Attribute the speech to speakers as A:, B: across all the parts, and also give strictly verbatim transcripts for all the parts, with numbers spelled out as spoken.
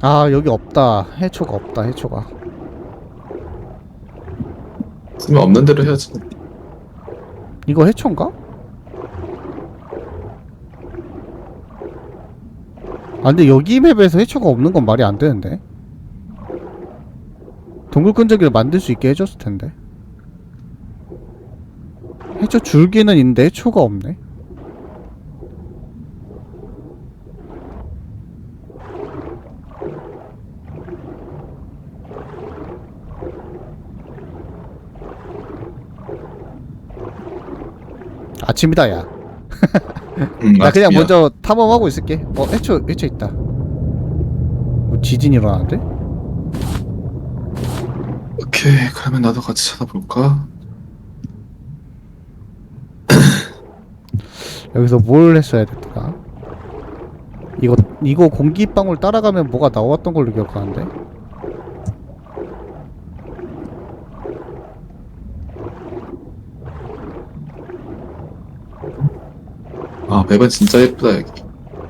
A: 아 여기 없다. 해초가 없다. 해초가.
B: 쓰면 없는 대로 해야지.
A: 이거 해초인가? 아 근데 여기 맵에서 해초가 없는 건 말이 안 되는데. 동굴 끈적이를 만들 수 있게 해줬을 텐데. 해초 줄기는 있는데 해초가 없네. 아침이다 야.
B: 음,
A: 나 그냥
B: 아침이야.
A: 먼저 탐험하고 있을게. 어 해초 해초 있다. 뭐 지진 일어나는데?
B: 오케이, 그러면 나도 같이 찾아볼까?
A: 여기서 뭘 했어야 됐더라? 이거 이거 공기방울 따라가면 뭐가 나왔던 걸로 기억하는데?
B: 아, 맵은 진짜 예쁘다 여기.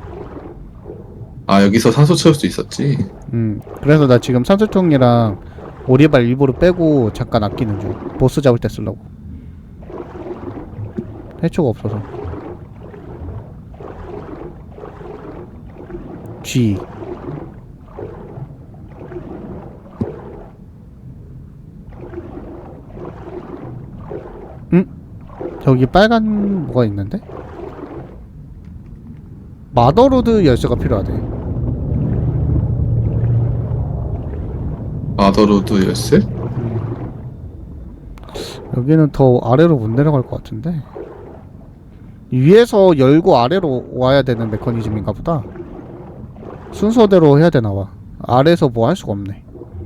B: 아, 여기서 산소 채울 수 있었지.
A: 음 그래서 나 지금 산소통이랑 오리발 일부러 빼고 잠깐 아끼는 중. 보스 잡을 때 쓰려고. 해초가 없어서. G. 응? 저기 빨간 뭐가 있는데? 마더로드 열쇠가 필요하대.
B: 마더로드 열쇠?
A: 여기는 더 아래로 못 내려갈 것 같은데. 위에서 열고 아래로 와야 되는 메커니즘인가 보다. 순서대로 해야 되나 봐. 아래에서 뭐 할 수가 없네.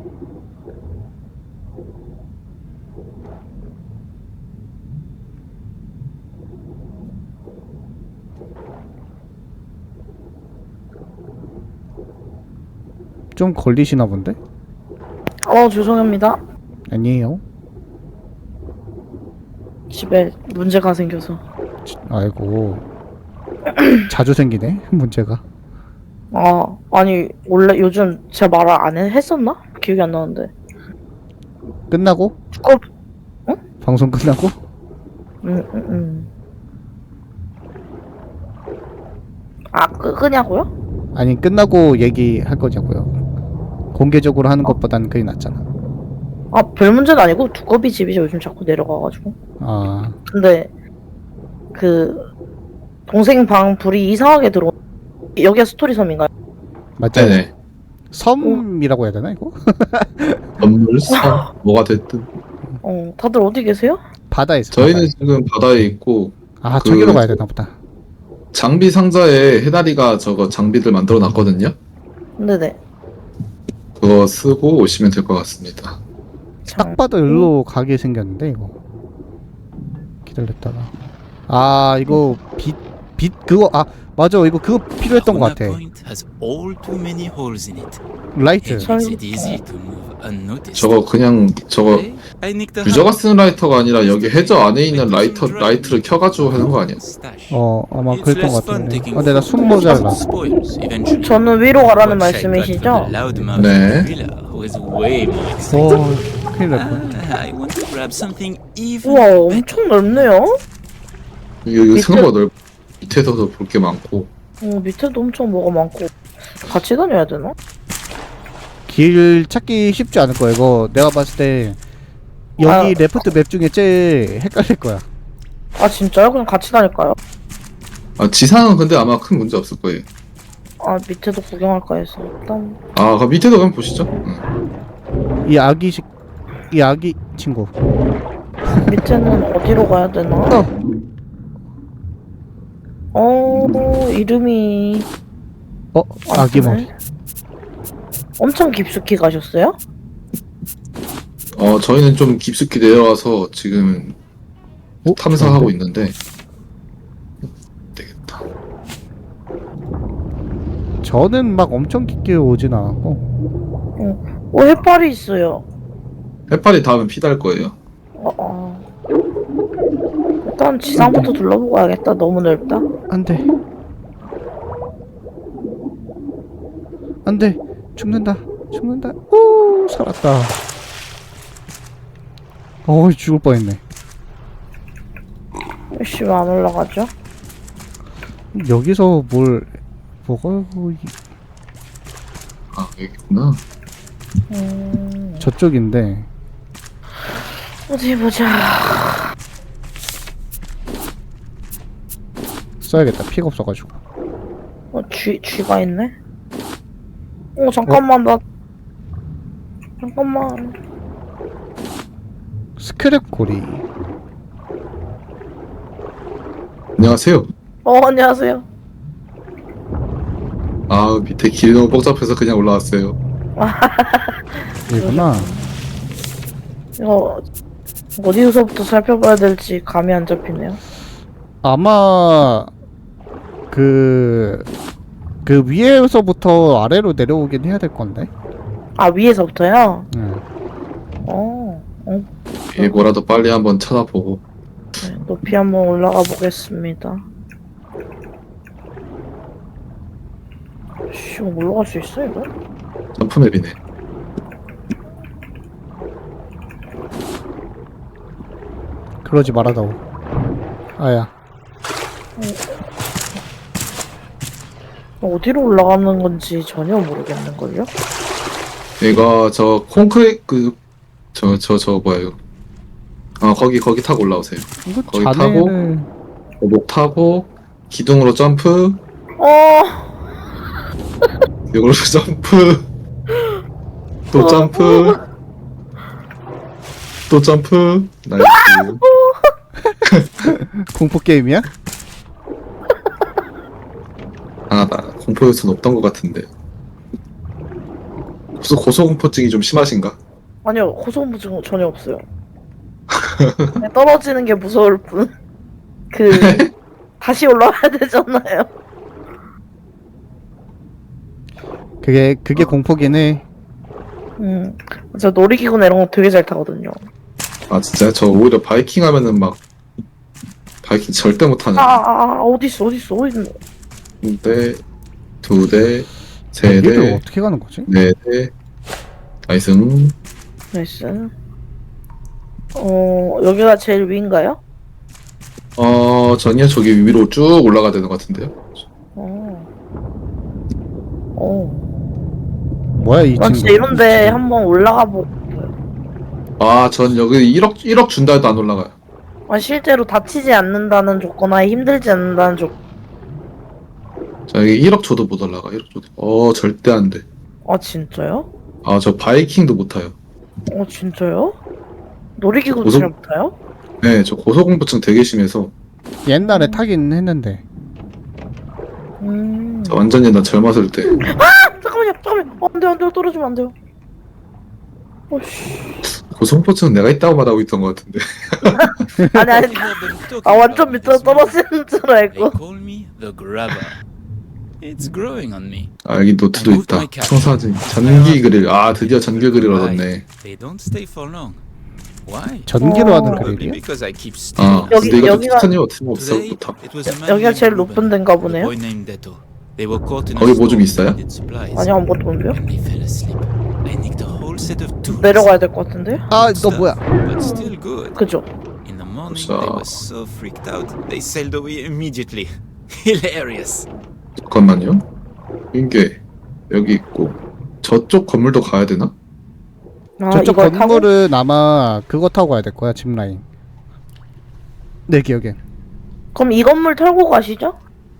A: 좀 걸리시나 본데?
C: 어, 죄송합니다.
A: 아니에요.
C: 집에 문제가 생겨서.
A: 아이고. 자주 생기네 문제가.
C: 아, 아니, 원래 요즘 제가 말을 안 해- 했었나? 기억이 안 나는데.
A: 끝나고?
C: 어,
A: 방송 끝나고?
C: 음, 음, 음. 아, 끄, 끄냐고요?
A: 아니 끝나고 얘기할 거냐고요. 공개적으로 하는 것보다는 그게 낫잖아.
C: 아, 별 문제는 아니고 두꺼비 집이 요즘 자꾸 내려가가지고.
A: 아
C: 근데, 그, 동생 방 불이 이상하게 들어. 여기가 스토리 섬인가요?
A: 맞죠?
B: 네네.
A: 섬이라고 해야 되나 이거?
B: 건물, 성, 뭐가 됐든.
C: 어, 다들 어디 계세요?
A: 바다에 있어.
B: 저희는
A: 바다에.
B: 지금 바다에 있고,
A: 아
B: 그
A: 저기로 가야 되나 보다.
B: 장비 상자에 해다리가 저거 장비들 만들어 놨거든요.
C: 네네.
B: 그거 쓰고 오시면 될 것 같습니다.
A: 딱 봐도 일로 가게 생겼는데 이거. 기다렸다가. 아 이거 빛 빛 그거 아 맞아 이거 그거 필요했던 것 같아. 라이트.
B: 저거 그냥 저거 유저가 쓰는 라이터가 아니라 여기 해저 안에 있는 라이터 라이트를 켜가지고 하는 거 아니야?
A: 어 아마 그랬던 것 같은데. 아 근데 나 숨 모자라.
C: 저는 위로 가라는 말씀이시죠?
B: 네.
A: 오 큰일 날 뻔.
C: 우와, 엄청 넓네요?
B: 여기 생각보다 넓. 밑에서도 볼 게 많고.
C: 어, 밑에도 엄청 뭐가 많고. 같이 다녀야 되나?
A: 길 찾기 쉽지 않을 거야 이거. 내가 봤을 때 여기
C: 아.
A: 레프트 맵 중에 제일 헷갈릴 거야.
C: 아, 진짜요? 그냥 같이 다닐까요?
B: 아, 지상은 근데 아마 큰 문제 없을 거예요.
C: 아, 밑에도 구경할까 해서. 일단.
B: 아, 그 밑에도 한번 보시죠. 응.
A: 이 아기식 이 아기 친구.
C: 밑에는 어디로 가야 되나?
A: 어.
C: 어, 이름이.
A: 어 아기 머리.
C: 엄청 깊숙이 가셨어요?
B: 어, 저희는 좀 깊숙이 내려와서 지금
A: 어?
B: 탐사하고
A: 좋은데?
B: 있는데. 되겠다.
A: 저는 막 엄청 깊게 오진 않았고.
C: 어, 어 해파리 있어요.
B: 해파리 다음에 피달 거예요.
C: 어, 어. 일단 지상부터 둘러보고 가야겠다. 너무 넓다.
A: 안돼 안돼 죽는다 죽는다. 오 살았다. 어이 죽을 뻔했네.
C: 씨, 왜 안 올라가죠?
A: 여기서 뭘 뭐가
B: 아 여기구나.
C: 음,
A: 저쪽인데
C: 어디 보자.
A: 써야겠다. 피가 없어가지고.
C: 어, 쥐, 쥐가 있네? 어, 잠깐만, 나. 잠깐만.
A: 스크랩 고리.
B: 안녕하세요.
C: 어, 안녕하세요.
B: 아 밑에 길이 너무 복잡해서 그냥 올라왔어요.
A: 여기구나.
C: 이거, 어디서부터 살펴봐야 될지 감이 안 잡히네요.
A: 아마 그, 그 위에서부터 아래로 내려오긴 해야 될 건데.
C: 아, 위에서부터요?
A: 응.
C: 어, 어,
B: 예, 뭐라도 빨리 한번 찾아보고.
C: 네, 높이 한번 올라가 보겠습니다. 씨, 이거 올라갈 수 있어, 이거?
B: 점프맵이네.
A: 그러지 말아다오. 아야.
C: 어디로 올라가는 건지 전혀 모르겠는걸요?
B: 이거 저 콘크리트 그저 저 저 뭐예요? 아 거기 거기 타고 올라오세요.
A: 이거
B: 거기
A: 자네를.
B: 목 타고 기둥으로 점프,
C: 어,
B: 기둥으로 점프, 또 점프, 또 점프. 나이스.
A: 공포 게임이야?
B: 아, 나 공포 요소는 없던 것 같은데. 고소 고소공포증이 좀 심하신가?
C: 아니요, 고소공포증 전혀 없어요. 그냥 떨어지는 게 무서울 뿐. 그, 다시 올라와야 되잖아요.
A: 그게 그게 공포긴 해.
C: 음, 저 놀이기구나 이런 거 되게 잘 타거든요.
B: 아 진짜 저 오히려 바이킹 하면은 막 바이킹 절대 못하는.
C: 아, 아, 아 어딨어, 어딨어, 어딨어.
B: 한 대, 두 대, 세
A: 여기를
B: 대,
A: 어떻게 가는 거지?
B: 네 대. 나이스.
C: 나이스. 어, 여기가 제일 위인가요?
B: 어 전이야 저기 위로 쭉 올라가야 되는 것 같은데요.
C: 어. 어.
A: 뭐야 이
C: 난
A: 친구?
C: 진짜 이런데 한번 올라가 보고.
B: 아 전 여기 일억 일억 준다 해도 안 올라가요.
C: 아, 실제로 다치지 않는다는 조건하에 힘들지 않는다는 조건.
B: 저 여기 일억 줘도 못 올라가. 일억 줘도. 어 절대 안 돼.
C: 아, 진짜요?
B: 아 저 바이킹도 못 타요.
C: 어, 진짜요? 놀이기구도
B: 고소-
C: 잘 못 타요?
B: 네, 저 고소공포증 되게 심해서
A: 옛날에 타긴 했는데.
C: 음.
B: 저 완전 옛날 젊었을 때.
C: 잠깐만요, 잠깐만요. 어, 안 돼요, 안 돼요. 떨어지면 안 돼요. 오씨.
B: 고소공포증 내가 있다고 말하고 있던 것 같은데.
C: 아니, 아니. 아, 완전 밑으로 떨어지는 줄
D: They
C: 알고.
D: call me the grabber. It's growing on me.
B: 아 여기 노트도 있다. 청사진 전기 그릴. 아 드디어 전기 그릴 얻었네.
D: They don't stay for long. Why?
A: 전기로
C: 어.
A: 하는
D: Probably
A: 그릴이야?
D: because I keep
B: 아
D: stealing.
C: 여기-
B: 근데 이거
C: 여기가-
B: 티타늄 없으면
D: Today,
B: 없어.
D: it was a man
C: 여기가
D: named
C: 제일
D: Ruben
C: 높은 데인가
D: and a
C: 보네요.
D: boy named Deto. They were caught in a
B: 거기 뭐 좀
D: storm
B: 있어요?
D: and needed supplies.
C: 아니, 아무것도 없는데요?
D: And they fell asleep. I nicked a whole set of tools.
C: 내려가야 될 것 같은데?
A: 아 너 뭐야?
D: But still good.
C: 그죠?
D: In the morning,
B: So-
D: they were so freaked out, they sailed away immediately. Hilarious.
B: 잠깐만요. 이게 여기 있고 저쪽 건물도 가야 되나?
C: 아,
A: 저쪽
C: 이걸 타고?
A: 건물은 아마 그거 타고 가야 될 거야. 짚라인. 내 기억엔.
C: 그럼 이 건물 털고 가시죠?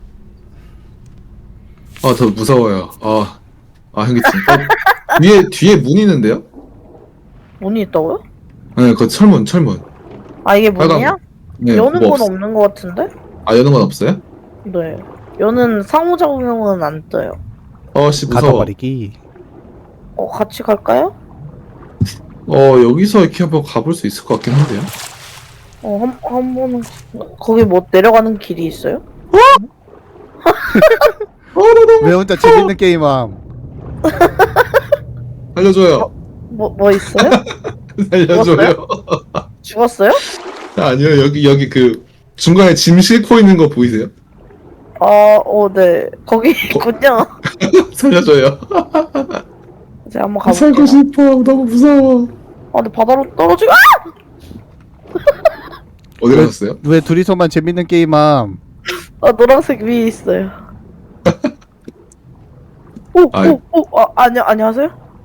B: 아 더 무서워요. 아, 아 형님 진짜 뒤에 뒤에 문 있는데요?
C: 문이 있다고요?
B: 네, 그 철문 철문.
C: 아, 이게
B: 빨간
C: 문이야?
B: 네,
C: 여는
B: 뭐
C: 건
B: 없-
C: 없는 것 같은데?
B: 아 여는 건 없어요?
C: 네. 여는 상호작용은 안 떠요.
B: 어씨 무서워.
A: 가둬버리기.
C: 어, 같이 갈까요?
B: 어 여기서 이렇게 한번 가볼 수 있을 것 같긴 한데요.
C: 어, 한, 한 번은. 거기 뭐 내려가는 길이 있어요?
A: 왜 혼자 재밌는 게임함?
B: 살려줘요.
C: 뭐, 뭐 있어요?
B: 살려줘요.
C: 죽었어요?
B: 아니요 여기 여기 그 중간에 짐 싣고 있는 거 보이세요?
C: 아, 어, 네. 거기 있군요.
B: 살려줘요.
C: 이제 한번
B: 아, 살고
C: 가볼게요.
B: 싶어. 너무 무서워.
C: 아, 근데 바다로 떨어지고, 아!
B: 어디 가셨어요?
A: 왜 둘이서만 재밌는 게임함?
C: 아, 노란색 위에 있어요. 오,
B: 아이.
C: 오, 오, 아, 안녕, 안녕하세요?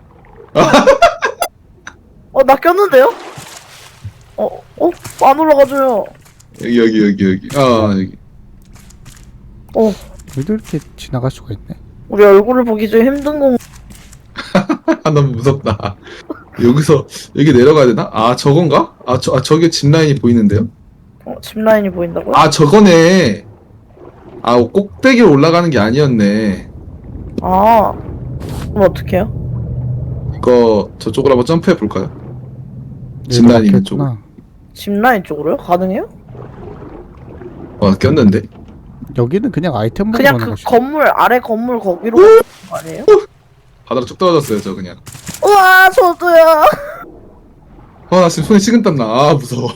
C: 어, 나 꼈는데요? 어, 어, 안 올라가줘요.
B: 여기 여기 여기 여기. 아 여기.
C: 어,
A: 왜도 이렇게 지나갈 수가 있네?
C: 우리 얼굴을 보기 좀 힘든 건,
B: 아 너무 무섭다. 여기서 여기 내려가야 되나? 아 저건가? 아, 저, 아 저기 짚 라인이 보이는데요?
C: 어, 짚 라인이 보인다고요?
B: 아 저거네. 아 꼭대기로 올라가는 게 아니었네.
C: 아, 그럼 어떡해요?
B: 이거 저쪽으로 한번 점프해 볼까요? 짚
A: 여기도
B: 라인 있는
A: 막혀있구나.
C: 짚 라인 쪽으로요? 가능해요?
B: 어 꼈는데.
A: 여기는 그냥 아이템
C: 그냥
A: 먹는
C: 그
A: 곳이.
C: 건물, 아래 건물 거기로 가는 거 아니에요?
B: 바다로 쭉 떨어졌어요 저 그냥.
C: 우와, 저도요.
B: 아나 지금 손에 식은땀 나. 아 무서워.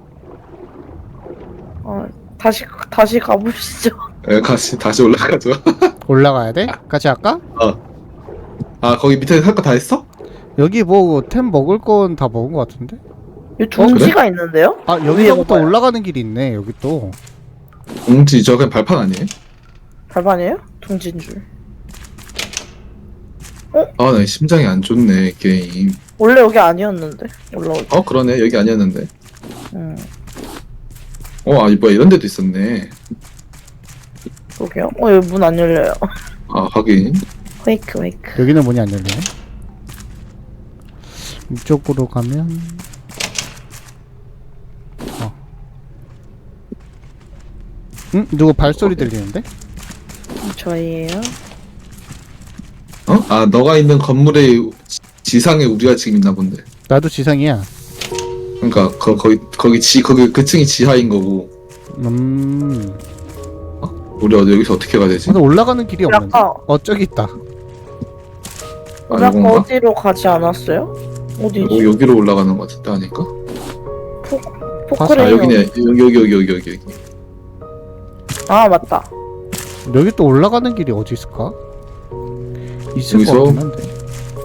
C: 어, 다시, 다시 가보시죠.
B: 에 다시 다시 올라가죠.
A: 올라가야 돼? 같이 할까?
B: 아 거기 밑에 할 거 다 했어?
A: 여기 뭐 템 먹을 건 다 먹은 것 같은데?
C: 여기 둥지가 있는데요?
A: 아
C: 위에
A: 여기서부터
C: 봐봐요.
A: 올라가는 길이 있네. 여기 또.
B: 공지 저 그냥 발판 아니에요?
C: 발판이에요? 둥지인 줄.
B: 아 나 심장이 안 좋네 게임.
C: 원래 여기 아니었는데 올라올 때.
B: 어 그러네 여기 아니었는데.
C: 음,
B: 어 아 뭐야 이런 데도 있었네.
C: 그러게요. 어, 여기 문 안 열려요.
B: 아 하긴.
C: 웨이크, 웨이크.
A: 여기는 문이 안 열리네. 이쪽으로 가면 어. 응? 누구 발소리 들리는데?
C: 저희예요.
B: 어? 아 너가 있는 건물의 지- 지상에 우리가 지금 있나 본데.
A: 나도 지상이야.
B: 그러니까 거, 거기 거기 지 거기 그 층이 지하인 거고.
A: 음.
B: 우리 어디 여기서 어떻게 가야 되지?
A: 근데 올라가는 길이 없는데?
C: 아까
A: 어 저기 있다.
B: 아
C: 우리 아까
B: 이건가?
C: 어디로 가지 않았어요? 어디지?
B: 여, 여기로 올라가는 거 같은데 아닐까? 아
C: 포크레인.
B: 여기네 여기 여기 여기 여기 여기 여기.
C: 아, 맞다.
A: 여기 또 올라가는 길이 어디 있을까? 있을
B: 여기서?
A: 것 같긴 한데.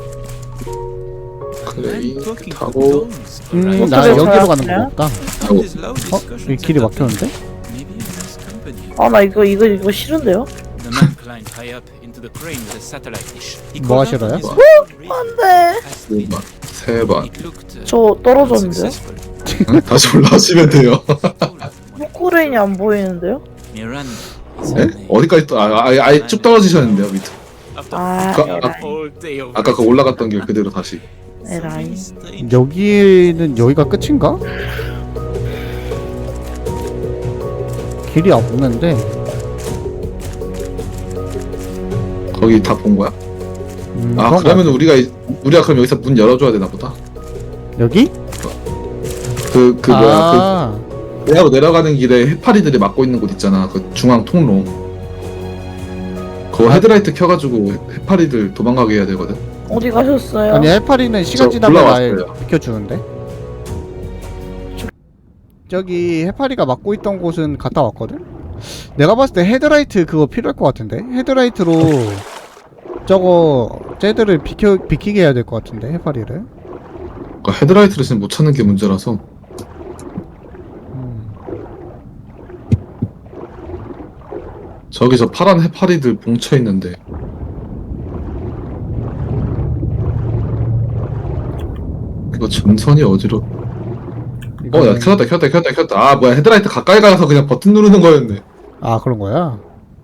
B: 그래
D: I'm
B: 이
D: talking
B: 타고.
D: to domes,
A: 음,
D: alright?
A: 나
C: 어떻게
A: 여기로 가는
C: 찾았어요?
A: 거 같다.
D: How does loud
A: 어?
D: discussions
A: 이 길이
D: end up
A: 막혔는데?
D: Maybe a nice company.
C: 아, 나 이거 이거 이거 싫은데요?
D: The man climbed high up into the crane with a satellite dish. He
A: 뭐
D: called out
A: 하시러요?
D: on his phone,
C: 안돼.
D: asked me.
B: 두 번, 세 번.
D: It looked uh,
C: 저 떨어졌는데요?
D: unsuccessful.
B: 응? 다시 올라가시면 돼요.
C: 포크레인이 안 보이는데요?
D: Miran is
B: 네?
D: her name.
B: 어디까지 또 아, 아예, 아예 쭉 떨어지셨는데요 밑으로.
D: After
C: 아,
B: 그-
C: 에라이.
D: all day of
B: 아까 그 올라갔던 길 그대로 다시.
C: 에라이.
A: 여기는 여기가 끝인가? 길이 없는데.
B: 거기 다 본 거야?
A: 음,
B: 아
A: 그런 거
B: 그러면
A: 같아.
B: 우리가 이- 우리가 그럼 여기서 문 열어줘야 되나 보다.
A: 여기?
B: 그 그 뭐야
A: 아,
B: 그 내려 내려가는 길에 해파리들이 막고 있는 곳 있잖아. 그 중앙 통로. 그거
A: 아.
B: 헤드라이트 켜가지고 해파리들 도망가게 해야 되거든.
C: 어디 가셨어요?
A: 아니 해파리는 시간
B: 저
A: 지나면 아예
B: 올라왔어요.
A: 비켜주는데. 저기 해파리가 막고 있던 곳은 갔다 왔거든. 내가 봤을 때 헤드라이트 그거 필요할 것 같은데. 헤드라이트로 저거 쟤들을 비켜 비키게 해야 될 것 같은데 해파리를.
B: 그러니까 헤드라이트를 지금 못 찾는 게 문제라서.
A: 음.
B: 저기 저 파란 해파리들 뭉쳐 있는데. 이거 전선이 어디로? 어, 야,
A: 이거는-
B: 켰다, 켰다, 켰다, 켰다. 아, 뭐야, 헤드라이트 가까이 가서 그냥 버튼 누르는 거였네.
A: 아 그런 거야?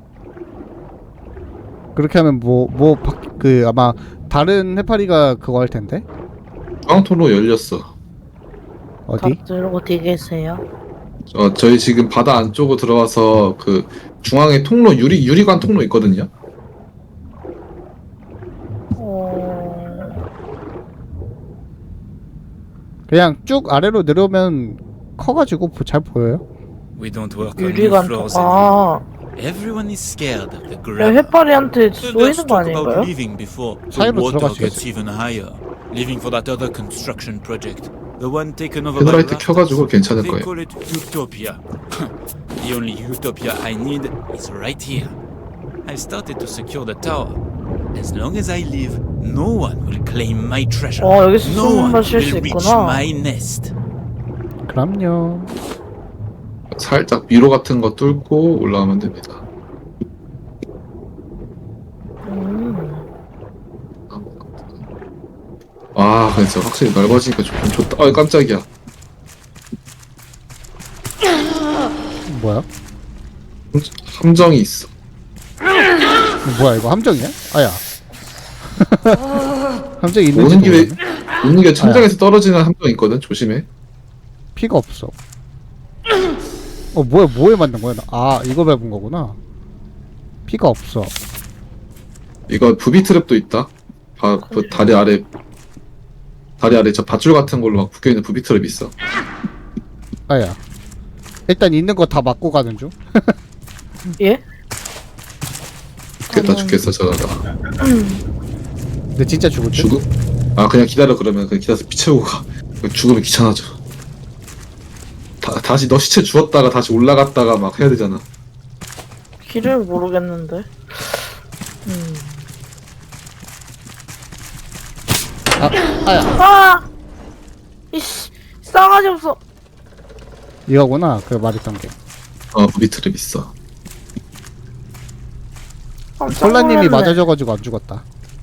A: 그렇게 하면 뭐 뭐 그 아마 다른 해파리가 그거 할 텐데.
B: 중앙통로 열렸어.
A: 어디?
C: 다들 어디 계세요?
B: 어, 저희 지금 바다 안쪽으로 들어와서 그 중앙에 통로 유리 유리관 통로 있거든요.
C: 어...
A: 그냥 쭉 아래로 내려오면 커가지고 보- 잘 보여요.
D: We don't work on new
C: 유리관
D: floors anymore.
C: 아,
D: Everyone is scared of the
C: 야,
D: gravel.
C: 해파리한테
D: Let's
C: 쏘이는 거
D: talk about
C: 아닌가요?
D: leaving before the
A: 사이로
D: water
A: 들어가시겠지.
D: gets even higher. Leaving for that other construction project. The one taken over by
B: 헤드라이트 켜가지고
D: raptors.
B: 괜찮을
D: They
B: 거예요.
D: call it Utopia. The only Utopia I need is right here. I started to secure the tower. As long as I live, No one will claim my treasure.
C: 어, 여기서
D: No
C: 숨
D: one
C: 마실 수
D: will reach
C: 있구나.
D: my nest.
A: 그럼요.
B: 살짝 미로 같은 거 뚫고 올라가면 됩니다.
C: 음.
B: 아, 진짜 확실히 넓어지니까 좋긴 좋다. 아, 깜짝이야.
A: 뭐야?
B: 함정이 있어.
A: 뭐야 이거 함정이야? 아야. 함정 있는지
B: 오는 길에
A: 모르겠네.
B: 오는 게 천장에서 떨어지는 함정이 있거든. 조심해.
A: 피가 없어. 어 뭐야 뭐에 맞는 거야? 나- 아 이거 밟은 거구나. 피가 없어.
B: 이거 부비 트랩도 있다. 바, 그 다리 아래 다리 아래 저 밧줄 같은 걸로 막 묶여 있는 부비 트랩 있어.
A: 아야. 일단 있는 거 다 맞고 가는 중.
C: 예?
B: 죽겠다 죽겠어 저러다.
A: 근데 진짜 죽을 듯?
B: 죽음? 아 그냥 기다려 그러면 그냥 기다려서 피 채우고 가. 죽으면 귀찮아져. 다, 다시 너 시체 주웠다가 다시 올라갔다가 막 해야 되잖아.
C: 길을 모르겠는데. 음.
A: 아 아야.
C: 아! 이씨, 싸가지 없어.
A: 이거구나. 그 말했던 게.
B: 어 부비 트랩 있어.
C: 깜짝
A: 콜라님이
C: 놀랐네.
A: 맞아줘가지고 안 죽었다.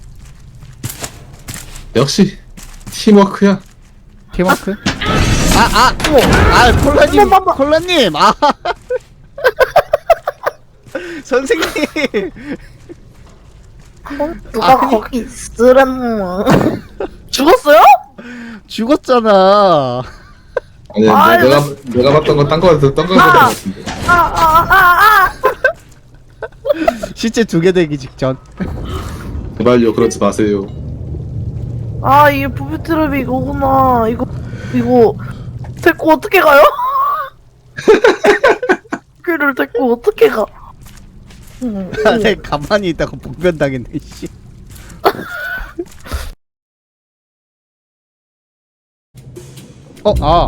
B: 역시 팀워크야.
A: 팀워크? 아 아! 아 콜라님
C: 한번 봐봐.
A: 콜라님 아 선생님
C: 어? 누가
A: 아니.
C: 거기 있으랬노? 죽었어요?
A: 죽었잖아.
B: 아니
C: 아이,
B: 내가 내가 봤던 건 딴 거에서 딴 거에서
C: 아.
B: 봤던 것 같은데.
C: 아, 아, 아, 아!
A: 시체 두 개 되기 직전.
B: 제발요 그러지 마세요.
C: 아, 이게 부비트랩이 이거구나. 이거, 이거, 데리고 어떻게 가요? 귀를 데리고 어떻게 가? 음,
A: 아, 내 가만히 있다가 복변당했네 씨. 어, 아.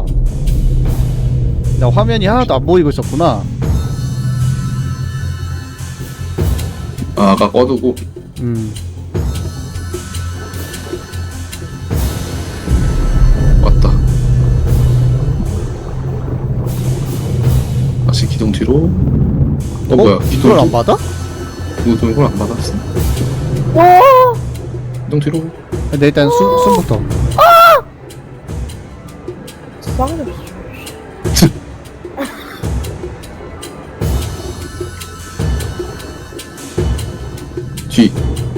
A: 나 화면이 하나도 안 보이고 있었구나.
B: 아, 아까 꺼두고
A: 음.
B: 왔다. 다시 기둥 뒤로. 어, 뭐야? 기둥
A: 이걸 안 받아?
B: 기둥 이걸 안 받았어.
C: 와!
B: 기둥 뒤로.
A: 근데 일단 숨, 숨부터.
C: 싸가지 없어.
B: 뒤.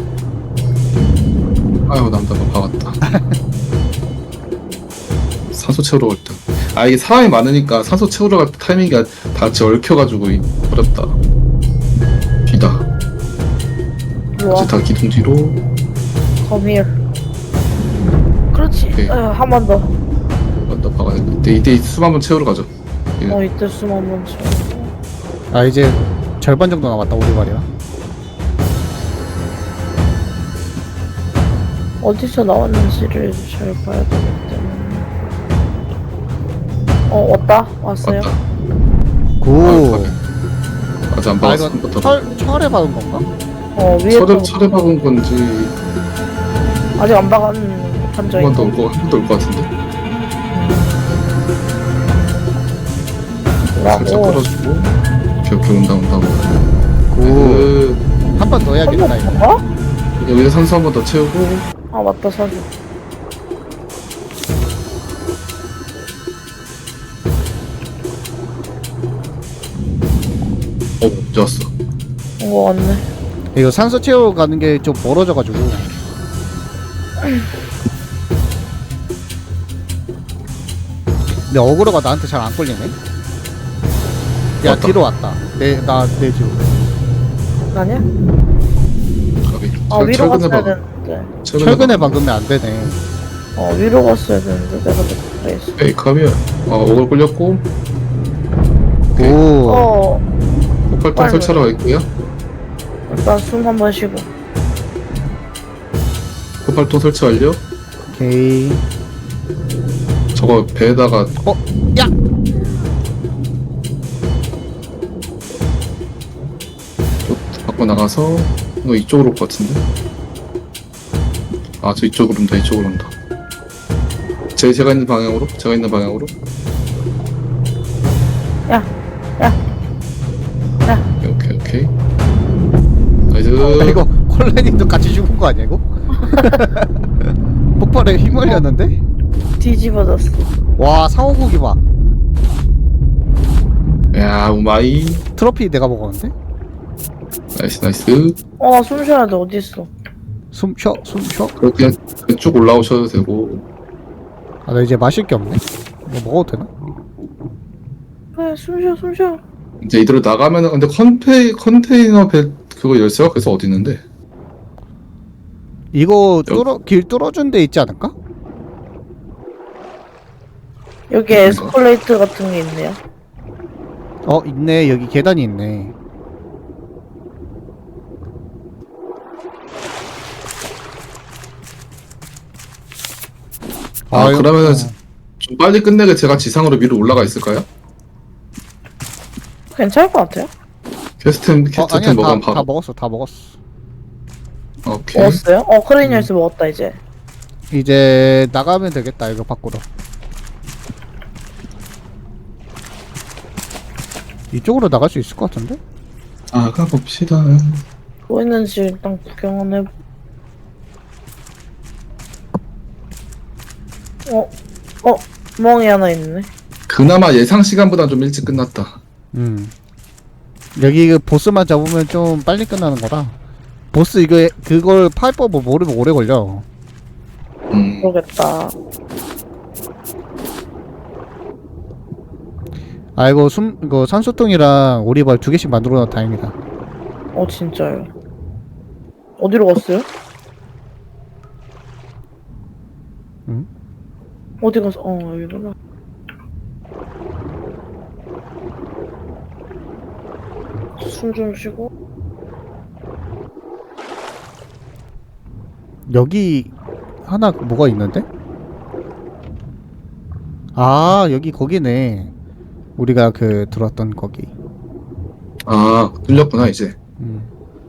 B: 아유 남자 너 박았다. 산소 채우러 갈 때. 아 이게 사람이 많으니까 산소 채우러 갈 때 타이밍이 다 같이 얽혀가지고 이- 어렵다. 뒤다.
C: 좋아.
B: 다시 다 기둥 뒤로.
C: Come here. 그렇지.
B: 오케이.
C: 한 번 더.
B: 나 박아야 돼. 이때 이때 숨 한번 채우러 가죠. 예.
C: 어, 이때 숨 한 번 쉬고.
A: 아, 이제 절반 정도 남았다, 우리 말이야.
C: 어디서 나왔는지를 잘 봐야 되기 때문에. 어, 왔다. 왔어요.
B: 맞다.
A: 굿.
B: 아직 안
A: 아,
B: 박았어.
A: 이건
B: 한번 더.
A: 철, 철에 박은 건가?
C: 어, 위에
B: 철에
C: 또
B: 철에 박은 건지
C: 아직 안 박은 판정이.
B: 한 번 더 올 거 한 번 더 올 것 같은데. 살짝
C: 라고.
B: 끌어주고. 오케이 오케이 온다 온다 온다.
A: 굿.
B: 그
A: 한 번 더 해야겠다, 이거.
C: 한번
B: 여기서 산소 한 번 더 채우고.
C: 아, 맞다, 사실.
B: 어 좋았어.
C: 어, 왔네.
A: 이거 산소 채워 가는 게 좀 멀어져가지고. 근데 어그로가 나한테 잘 안 걸리네. 야,
B: 왔다.
A: 뒤로 왔다. 내, 나, 내 뒤로.
C: 아니야?
B: 가비.
C: 아,
B: 철-
C: 위로
B: 철근에
C: 갔어야
B: 박.
C: 되는데.
A: 철근에 박으면 안 되네.
C: 어, 위로 갔어야 되는데. 내가 그래 있어.
B: 에이 가면 어 오글 끌렸고
A: 오.
C: 어,
B: 폭발통
C: 빨리.
B: 설치하러 갈게요.
C: 일단 숨 한 번 쉬고.
B: 폭발통 설치 완료.
A: 오케이.
B: 저거 배에다가
A: 어, 야!
B: 갖고 나가서 이거 이쪽으로 올 것 같은데. 아, 저 이쪽으로 온다, 이쪽으로 온다. 제, 제가 있는 방향으로? 제가 있는 방향으로?
C: 야, 야, 야.
B: 오케이, 오케이. 나이스.
A: 아, 이거 콜레님도 같이 죽은 거 아니야 이거? 폭발에 휘말렸는데?
C: 뒤집어졌어.
A: 와 상어고기 봐.
B: 야, 우마이.
A: 트로피 내가 먹었는데?
B: 나이스, 나이스.
C: 어, 숨 쉬어야 돼. 어디 있어?
A: 숨 쉬어 숨 쉬어.
B: 그냥 쭉 올라오셔도 되고.
A: 아 나 이제 마실 게 없네. 뭐 먹어도 되나?
C: 그래, 숨 쉬어, 숨 쉬어.
B: 이제 이대로 나가면은, 근데 컨테이, 컨테이너 배, 그거 열쇠가 그래서 어디 있는데?
A: 이거 뚫어 길 뚫어준 데 있지 않을까?
C: 여기 에스컬레이터 같은 게 있네요.
A: 어 있네 여기 계단이 있네.
B: 아,
A: 아유,
B: 그러면은
A: 어.
B: 좀 빨리 끝내게 제가 지상으로 위로 올라가 있을까요?
C: 괜찮을 것 같아요.
A: 어
B: 퀘스템,
A: 아니야
B: 퀘스템
A: 다,
B: 먹으면
A: 다
B: 바로.
A: 먹었어 다 먹었어.
B: 오케이.
C: 먹었어요? 어, 크레인 열쇠 먹었다, 이제.
A: 이제 나가면 되겠다 이거 밖으로. 이쪽으로 나갈 수 있을 것 같은데?
B: 나가 봅시다.
C: 뭐 있는지 일단 구경은 해보. 어, 어, 멍이 하나 있네.
B: 그나마 예상 시간보다 좀 일찍 끝났다.
A: 음. 여기 그 보스만 잡으면 좀 빨리 끝나는 거라. 보스 이거 그걸 파일 법을 모르면 오래 걸려.
B: 음.
C: 모르겠다.
A: 아이고 숨 이거 산소통이랑 오리발 두 개씩 만들어 놔 다행이다.
C: 어, 진짜요. 어디로 갔어요?
A: 응?
C: 어디 가서, 어, 여기구나. 숨 좀 쉬고.
A: 여기 하나 뭐가 있는데? 아 여기 거기네. 우리가 그 들었던 거기.
B: 아, 뚫렸구나, 이제.
A: 음.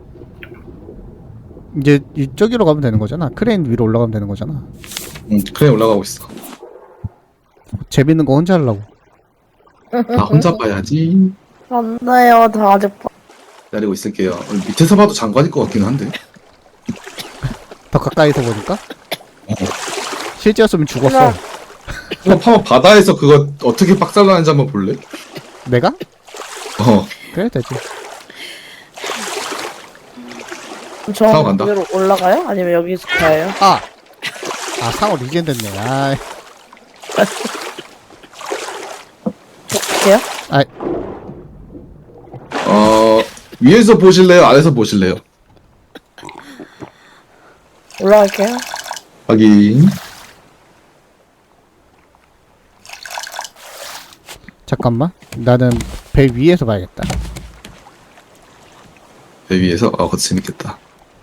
A: 이제 이쪽으로 가면 되는 거잖아. 크레인 위로 올라가면 되는 거잖아.
B: 응, 그래, 올라가고 있어.
A: 재밌는 거 혼자 하려고.
B: 나 혼자 봐야지.
C: 안 돼요, 다 아직 봐.
B: 기다리고 있을게요. 어, 밑에서 봐도 장관일 것 같긴 한데.
A: 더 가까이서 보니까
B: 어.
A: 실제였으면 죽었어.
C: 하나.
B: 한번 한번 바다에서 그거 어떻게 빡살나는지 한번 볼래?
A: 내가?
B: 어.
A: 그래 되지.
C: 저
B: 타고 간다.
C: 위로 올라가요? 아니면 여기서 가요?
A: 아! 아 상어 리젠 됐네. 아,
C: 어떻게요?
A: 아
B: 어, 위에서 보실래요? 아래서 보실래요?
C: 올라갈게요.
B: 확인.
A: 잠깐만. 나는 배 위에서 봐야겠다.
B: 배 위에서? 아, 그거 재밌겠다.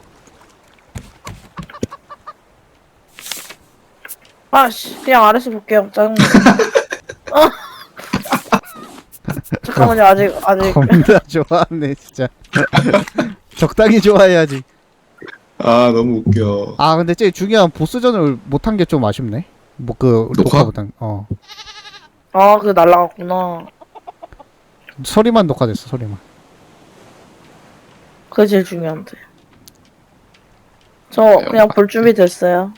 C: 아씨, 그냥 아래서 볼게요. 짜증나. 어. 잠깐만요, 아직, 아직.
A: 겁나 좋아하네 진짜. 적당히 좋아해야지.
B: 아, 너무 웃겨.
A: 아 근데 제일 중요한 보스전을 못한 게 좀 아쉽네. 뭐 그
B: 녹화?
A: 녹화보단 어
C: 아, 그게 날라갔구나.
A: 소리만 녹화됐어 소리만.
C: 그게 제일 중요한데. 저 그냥 볼 준비 됐어요.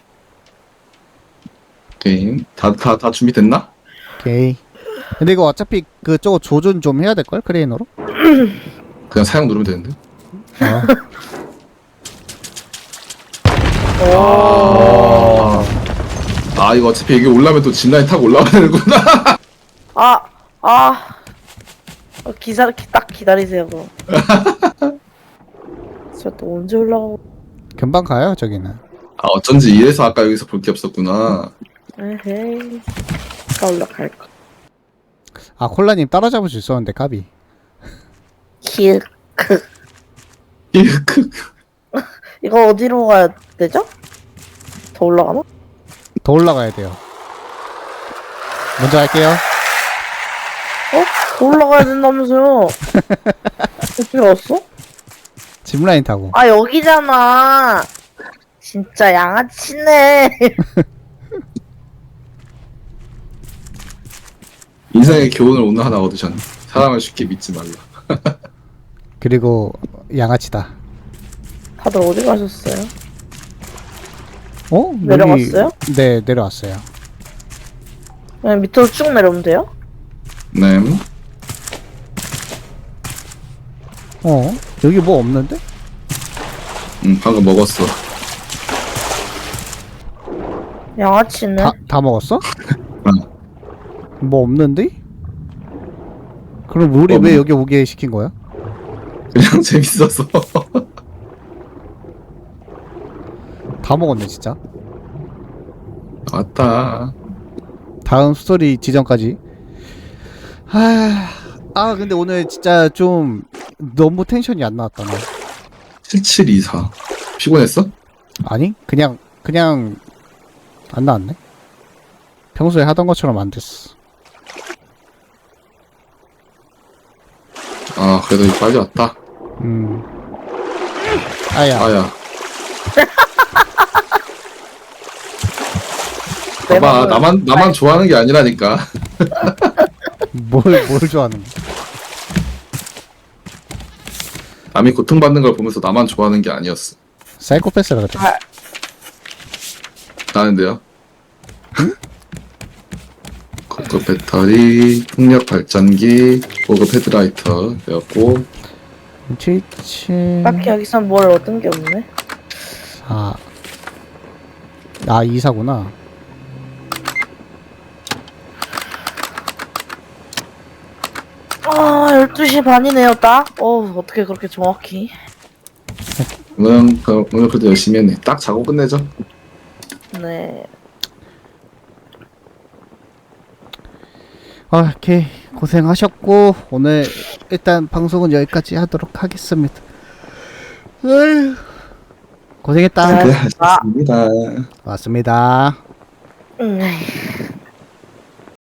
B: 게임. 다, 다, 다 준비됐나?
A: 오케이. 근데 이거 어차피 그저거 조준 좀 해야 될 걸 크레인으로?
B: 그냥 사용 누르면 되는데.
A: 어.
C: 오.
B: 아, 이거 어차피 여기 올라면 또 짚라인 타고 올라와야 되는구나.
C: 아, 아. 어, 기사, 기- 딱 기다리세요, 그럼. 저 또 언제 올라가고.
A: 금방 가요 저기는.
B: 아, 어쩐지 이래서 아까 여기서 볼 게 없었구나.
C: 에헤이. 가 올라갈까.
A: 아 콜라님 따라잡을 수 있었는데 까비.
C: 힐.
B: 크.
C: 이거 어디로 가야 되죠? 더 올라가나?
A: 더 올라가야 돼요. 먼저 할게요.
C: 어? 더 올라가야 된다면서요? 어떻게 왔어?
A: 짚라인 타고.
C: 아, 여기잖아. 진짜 양아치네.
B: 인생의 교훈을 오늘 하나 얻으셨네. 사람을 쉽게 믿지 말라.
A: 그리고 양아치다.
C: 다들 어디 가셨어요?
A: 어?
C: 내려갔어요?
A: 여기... 네, 내려왔어요.
C: 그냥 밑으로 쭉 내려오면 돼요?
B: 네.
A: 어? 여기 뭐 없는데?
B: 음, 방금 먹었어.
C: 양아치네.
A: 다, 다 먹었어?
B: 응.
A: 뭐 없는데? 그럼 우리
B: 없네.
A: 왜 여기 오게 시킨 거야?
B: 그냥 재밌어서.
A: 다 먹었네 진짜.
B: 왔다.
A: 다음 스토리 지점까지. 아, 아 근데 오늘 진짜 좀 너무 텐션이 안 나왔다 나.
B: 칠칠이사. 피곤했어?
A: 아니 그냥 그냥 안 나왔네. 평소에 하던 것처럼 안 됐어.
B: 아, 그래도 빨리 왔다.
A: 음. 아야.
B: 아야.
C: 내
B: 봐봐,
C: 맘을-
B: 나만, 나만 좋아하는 게 아니라니까.
A: 뭘 뭘 좋아하는 거?
B: 남이 고통받는 걸 보면서 나만 좋아하는 게 아니었어.
A: 사이코패스라 그래.
C: 아,
B: 나는데요. 고급 배터리, 풍력 발전기, 고급 헤드라이터 되었고,
A: 칠칠.
C: 딱히 여기서 뭘 얻은 게 없네.
A: 아. 아 이사구나.
C: 아, 열두 시 반이네요, 딱. 어, 어떻게 그렇게 정확히.
B: 오늘, 그- 오늘 그래도 열심히 했네. 딱 자고 끝내죠.
C: 네.
A: 아, 오케이 고생하셨고 오늘 일단 방송은 여기까지 하도록 하겠습니다. 어휴, 고생했다.
C: 네.
B: 네, 하셨습니다.
A: 맞습니다.
C: 음.